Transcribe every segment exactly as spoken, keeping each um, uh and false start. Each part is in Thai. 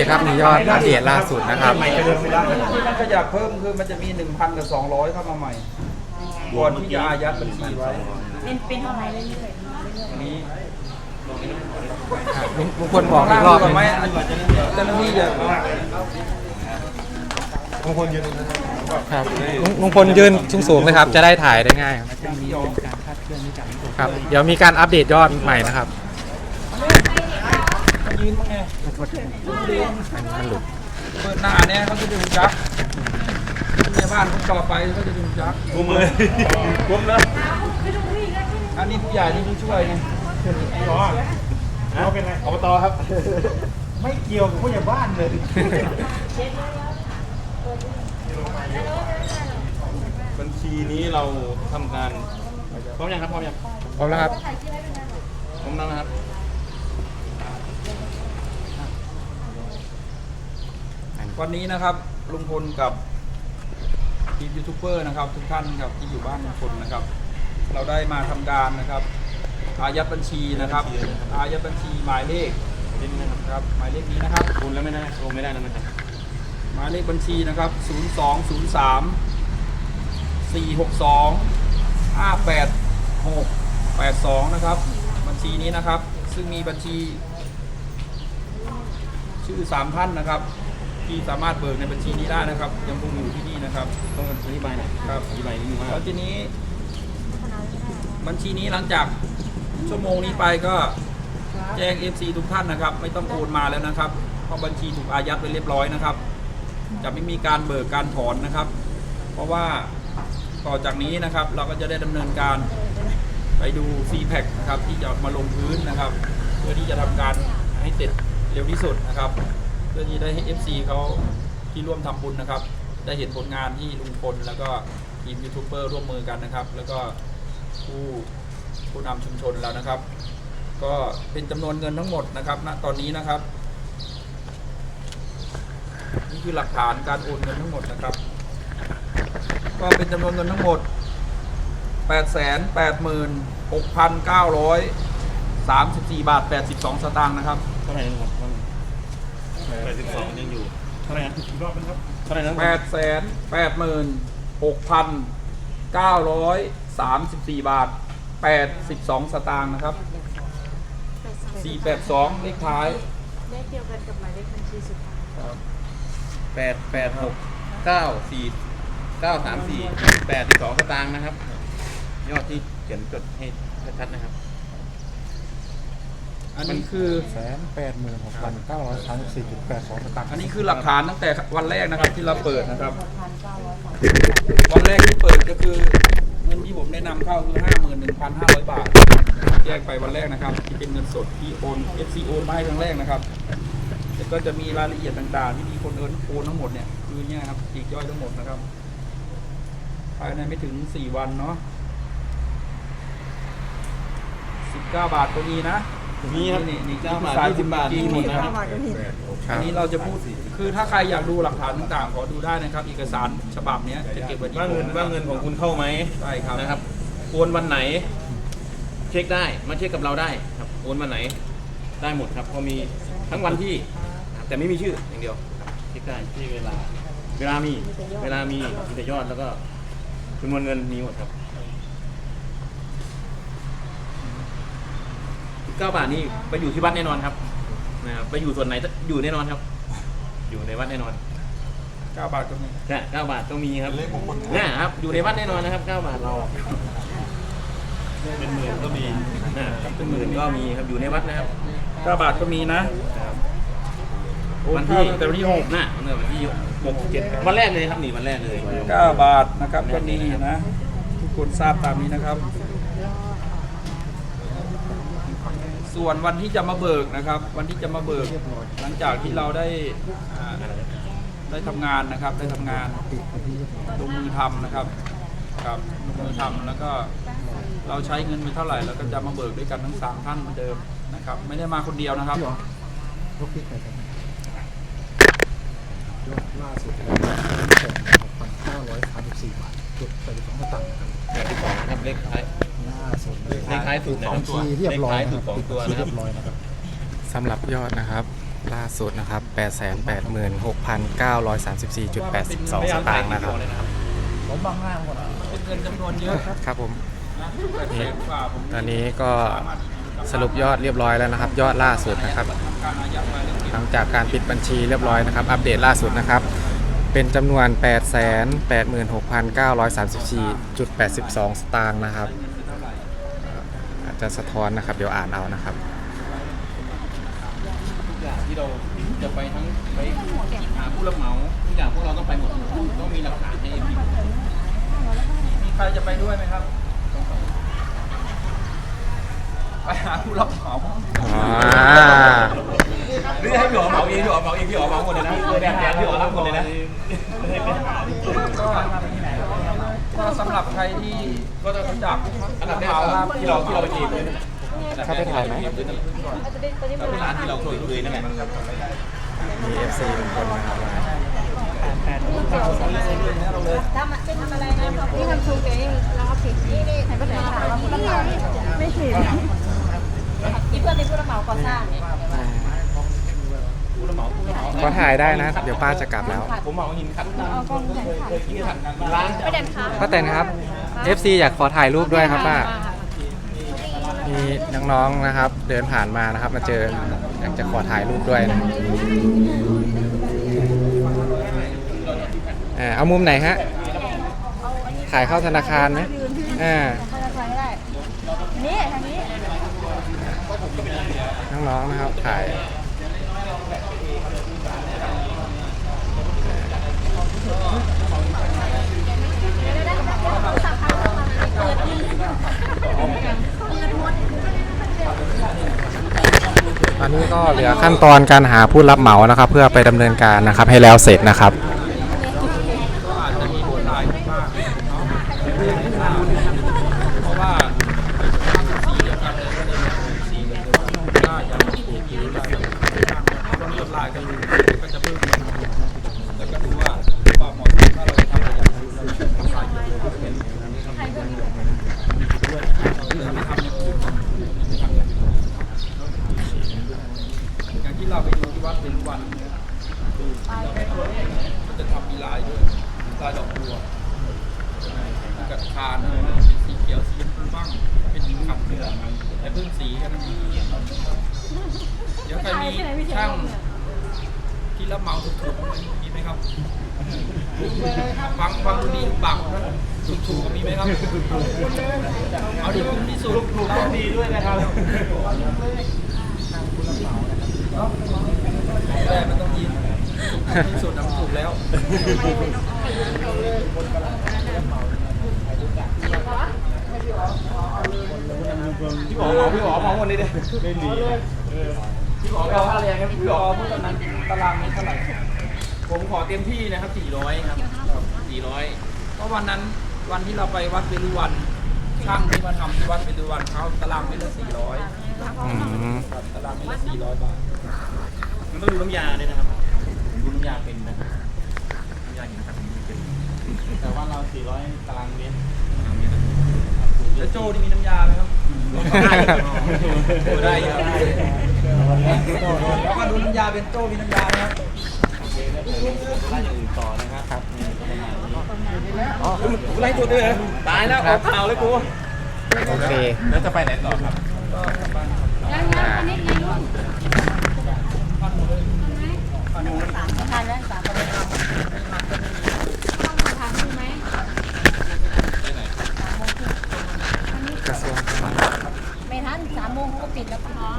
ครับมียอดอัปเดตล่าสุดนะครับที่มันขยับเพิ่มคือมันจะมีหนึ่งพันกับสองร้อยเข้ามาใหม่ก่อนที่จะอายัดบัญชีไว้เป็นเป็นเท่าไหร่เรื่อยอันนี้ลุงพลบอกอีกรอบก่อนไหมเจ้าหน้าที่จะลุงพลยืนครับลุงพลยืนสูงๆเลยครับจะได้ถ่ายได้ง่ายครับเดี๋ยวมีการอัปเดตยอดใหม่นะครับยืนมั้งไงมันหลุดเปิดหน้าเนี่ยเขาจะดึงจักในบ้านเขาต่อไปเขาจะดึงจักกุมเลยกุมเลยอันนี้ผู้ใหญ่นี่ผู้ช่วยไงอ๋อเอาเป็นไรอบตครับ ไม่เกี่ยวกับผู้ใหญ่บ้านเลยบัญชีนี้เราทำการพร้อมยังครับพร้อมยังพร้อมแล้วครับพร้อมแล้วนะครับวันนี้นะครับลุงพลกับทีมยูทูบเบอร์นะครับทุกท่านครับที่อยู่บ้านลุงพลนะครับเราได้มาทำการนะครับอายัดบัญชีนะครับอายัดบัญชีหมายเลขนะครับหมายเลขนี้นะครับคุณแล้วไม่ได้โอนไม่ได้นะมันหมายเลขบัญชีนะครับศูนย์ สอง ศูนย์ สาม สี่ หก สอง ห้า แปด หก แปด สองนะครับบัญชีนี้นะครับซึ่งมีบัญชีชื่อสามท่านนะครับที่สามารถเบิกในบัญชีนี้ได้นะครับยังคงอยู่ที่นี่นะครับต้องอธิบายหน่อยครับอธิบายนิดนึงว่าแล้วทีนี้บัญชีนี้หลังจากชั่วโมงนี้ไปก็แจ้ง เอฟ ซี ทุกท่านนะครับไม่ต้องโอนมาแล้วนะครับเพราะบัญชีถูกอายัดไปเรียบร้อยนะครับจะไม่มีการเบิกการถอนนะครับเพราะว่าต่อจากนี้นะครับเราก็จะได้ดำเนินการไปดู ซี แพ็ค นะครับที่จะมาลงพื้นนะครับเพื่อที่จะทำการให้เสร็จเร็วที่สุดนะครับเพื่อที่ได้ให้ เอฟ ซี เขาที่ร่วมทำบุญนะครับได้เห็นผลงานที่ลุงพลแล้วก็ทีมยูทูบเบอร์ร่วมมือกันนะครับแล้วก็ผู้ผู้นำชุมชนแล้วนะครับก็เป็นจำนวนเงินทั้งหมดนะครับณตอนนี้นะครับนี่คือหลักฐานการโอนเงินทั้งหมดนะครับก็เป็นจำนวนเงินทั้งหมด แปดแสนแปดหมื่นหกพันเก้าร้อยสามสิบสี่ บาทแปดสิบสองสตางค์นะครับเท่าไหร่นะครับแปดสิบสองยังอยู่เท่าไหร่นะอีกรอบนึงครับเท่าไหร่นะแปดแสนแปดหมื่นหกพันเก้าร้อยสามสิบสี่ บาทแปดสิบสองสตางค์นะครับสี่แปดสองเลขท้ายเลขเดียวกันกับหมายเลขบัญชีสุดท้ายครับแปดแปดหกเก้าสี่เก้าสามสี่แปดสิบสองสตางค์นะครับยอดที่เขียนจดให้ชัดๆนะครับอันนี้คือแสนแปดหมื่นหกพันเก้าร้อยสามสิบสี่จุดแปดสองสตางค์อันนี้คือหลักฐานตั้งแต่วันแรกนะครับที่เราเปิดนะครับวันแรกที่เปิดก็คือเงินที่ผมแนะนำเข้าคือ ห้าหมื่นหนึ่งพันห้าร้อย บาทแยกไปวันแรกนะครับที่เป็นเงินสดที่โอน เอฟ ซี โอนมาให้ครั้งแรกนะครับแต่ก็จะมีรายละเอียดต่างๆที่มีคนโอนโอนทั้งหมดเนี่ยคือเนี่ยครับปลีกย่อยทั้งหมดนะครับภายในไม่ถึงสี่วันเนาะสิบเก้าบาทก็มีนะมีครับนี่นี่เก้าบาทยี่สิบบาทมีหมดนะอันนี้เราจะพูดคือถ้าใครอยากดูหลักฐานต่างๆขอดูได้นะครับเอกสารฉบับนี้จะเก็บไว้ที่ว่าเงินว่าเงินของคุณเข้าไหมใช่ครับนะครับโอนวันไหนเช็คได้มาเช็คกับเราได้ครับโอนวันไหนได้หมดครับเพราะมีทั้งวันที่แต่ไม่มีชื่ออย่างเดียวเช็คได้ที่เวลาเวลามีเวลามีมีแต่ยอดแล้วก็จำนวนเงินมีหมดครับเก้าบาทนี่ไปอยู่ที่วัดแน่นอนครับนะครับไปอยู่ส่วนไหนอยู่แน่นอนครับอยู่ในวัดแน่นอนเก้าบาทก็มีใช่เก้าบาทต้องมีครับเนี่ยครับอยู่ในวัดแน่นอนนะครับเก้าบาทเราเป็นหมื่นก็มีนะครับเป็นหมื่นก็มีครับอยู่ในวัดนะครับเก้าบาทก็มีนะวันที่แต่วันที่หกนะวันที่หกเจ็ดวันแรกเลยครับนี่วันแรกเลยเก้าบาทนะครับก็มีนะทุกคนทราบตามนี้นะครับส่วนวันที่จะมาเบิกนะครับวันที่จะมาเบิกหลังจากที่เราได้ได้ทำงานนะครับได้ทำงานลงมือทำนะครับครับลงมือทำแล้วก็เราใช้เงินไปเท่าไหร่แล้วก็จะมาเบิกด้วยกันทั้งสามท่านเหมือนเดิมนะครับไม่ได้มาคนเดียวนะครับยอดล่าสุดหกพันเก้าร้อยสามสิบสี่ บาทจุดแปดสิบสองสตางค์ครับแปดสิบสองครับเลขท้ายเลขท้ายถูกสองตัวเรียบร้อยนะครับสองตัวเรียบร้อยนะครับสำหรับยอดนะครับล่าสุดนะครับ แปดแสนแปดหมื่นหกพันเก้าร้อยสามสิบสี่จุดแปดสอง สตางค์นะครับผมบางหน้าหมดเป็นเงินจำนวนเยอะครับครับผมนะแปดแสนกว่าผมตอนนี้ก็สรุปยอดเรียบร้อยแล้วนะครับ ยอดล่าสุดนะครับการอายัดไว้เรื่องเก็บหลังจากการปิดบัญชีเรียบร้อยนะครับ อัปเดตล่าสุดนะครับ เป็นจำนวน แปดแสนแปดหมื่นหกพันเก้าร้อยสามสิบสี่จุดแปดสอง สตางค์นะครับอาจจะสะท้อนนะครับ เดี๋ยวอ่านเอานะครับทุกอย่างที่เราจะไปทั้งไปหาผู้รับเหมาทุกอย่างพวกเราต้องไปหมดต้องมีหลักฐานให้เอ็มพีมีใครจะไปด้วยไหมครับไปหาผู้รับเหมาอ่าหรือให้พี่อ๋อเหมาเองพี่อ๋อเหมาเองพี่อ๋อเหมาหมดเลยนะแดนแดนพี่อ๋อรับหมดเลยนะก็ก็สำหรับใครที่ก็จะรู้จักอันดับแรกเหมาครับที่เราที่เราไปจีบเลยเข้าไปถ่ายไหมเราเป็นร้านที่เราเคยเคยนั่นแหละมี เอฟ ซี ทุกคนนะครับทำเป็นทำอะไรนะนี่ทำชูเกงแล้วก็ผิดนี่นี่ใครก็ได้ไม่ผิดนี่เพื่อนเป็นผู้รับเหมาก่อสร้างผู้รับเหมาผู้รับเหมาก็ถ่ายได้นะ เดี๋ยวป้าจะกลับแล้วผมเหมาหินขัดเอากล้องใหญ่เคยกินขัดร้านไม่เด่นค่ะป้าแตนครับ เอฟ ซี อยากขอถ่ายรูปด้วยครับป้า มีน้องๆนะครับ เดินผ่านมานะครับ มาเจออยากจะขอถ่ายรูปด้วยนะอ่าเอามุมไหนฮะ ถ่ายเข้าธนาคารไหมอ่าธนาคารก็ได้นี่ทางนี้น้องๆนะครับถ่ายตอนนี้ก็เหลือขั้นตอนการหาผู้รับเหมานะครับ เพื่อไปดำเนินการนะครับให้แล้วเสร็จนะครับก็อาจจะมีโดนลายบ้างเนาะเพราะว่าสีเดียวกันเลยก็เลยสีเดียวกันก็ยังมีผิวลายต้องลดลายกันดูก็จะเพิ่มแล้วก็ดูว่าความเหมาะสมถ้าเราจะทำอะไรอย่างนี้เราจะทำลายเยอะๆเป็นอย่างที่เราไปดูที่วัดเป็นวันก็จะทำมีลายด้วยลายดอกบัวมีกระทานเป็นสีเขียวสีชมพูบ้างเป็นขับเรือแต่เพิ่มสีแค่นั้นเองเดี๋ยวใครมีช่างที่รับเหมาถูกๆมีไหมครับฟังฟังดูดีบักนะถูกๆมีไหมครับเอาดีคุ้มที่สุดถูกๆดีด้วยนะครับแต่มันต้องยินที่สุดน้ำถูกแล้วพี่อ๋อเหมาพี่อ๋อเหมาหมดเลยดิไม่ดีพี่อ๋อเอาค่าแรงครับพี่พี่อ๋อ๋ออพูดตอนนั้นตารางนี้เท่าไหร่ผมขอเต็มที่นะครับสี่ร้อยครับสี่ร้อยเพราะวันนั้นวันที่เราไปวัดเวรุวันช่างที่มาทำที่วัดเวรุวันเขาตารางเมตรละสี่ร้อยอืมตารางเมตรละสี่ร้อยบาทมันต้องดูน้ำยาด้วยนะครับดูน้ำยาเป็นนะครับน้ำยาหินขัดเป็นแต่ว่าเราสี่ร้อยตารางเมตรแล้วโจ้นี่มีน้ำยาไหมครับได้ครับได้ครับแล้วก็ดูน้ำยาเป็นโจ้มีน้ำยาไหมครับไล่อย่างอื่นต่อนะครับครับอ๋อผมไล่ตัวด้วยเหรอตายแล้วออกข่าวเลยกูโอเคแล้วจะไปไหนต่อครับก็กลับบ้านครับยังยังอันนี้ยังรุ่นทานแล้วสามคนต้องทานใช่ไหมกระทรวงไม่ทันสามโมงเขาก็ปิดแล้วค่ะน้อง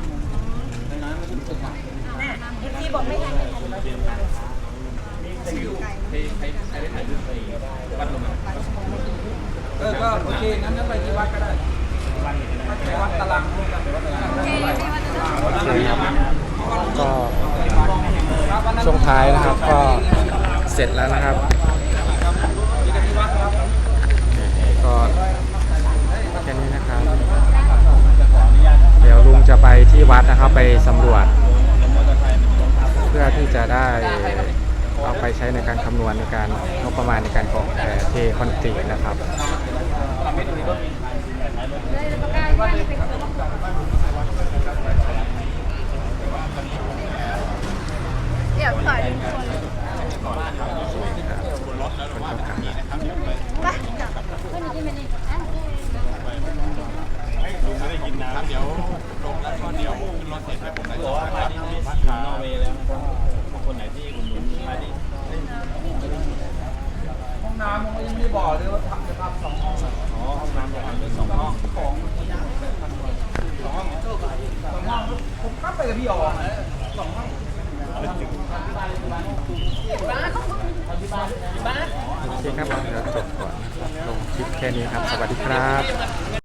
เอฟซีบอกไม่ทันไม่ทันใครใครใครได้ถ่ายรูปไปวัดลงมาเออก็โอเคงั้นงั้นไปที่วัดก็ได้ไปวัดตารางด้วยกันไปวัดตารางโอเคไม่ว่าจะต้องก็ช่วงท้ายนะครับก็เสร็จแล้วนะครับ ก็แค่นี้นะครับ เดี๋ยวลุงจะไปที่วัดนะครับไปสำรวจ เพื่อที่จะได้เอาไปใช้ในการคำนวณในการงบประมาณในการก่อแผ่เทคอนกรีตนะครับเลยประกาศว่าจะเป็นดี๋ยวขอดึงคนคนก็กลับไปจับเพื่อนกินมันนี่ไม่ได้กินน้ำเดี๋ยวลงแล้วก็เดี๋ยวขึ้นรถเสร็จให้ผมได้บอกว่ามาที่นี่พักนอร์เวย์แล้วคนไหนที่คุณหนุนมาที่ห้องน้ำผมก็ยังไม่ได้บอกเลยว่าทำจะทำสองห้องอ๋อห้องน้ำจะทำเป็นสองห้องของสองห้องสองห้องผมกลับไปกับพี่อ๋อสองห้องโอเคครับเดี๋ยวจบก่อนนะครับลงคลิปแค่นี้ครับ สวัสดีครับ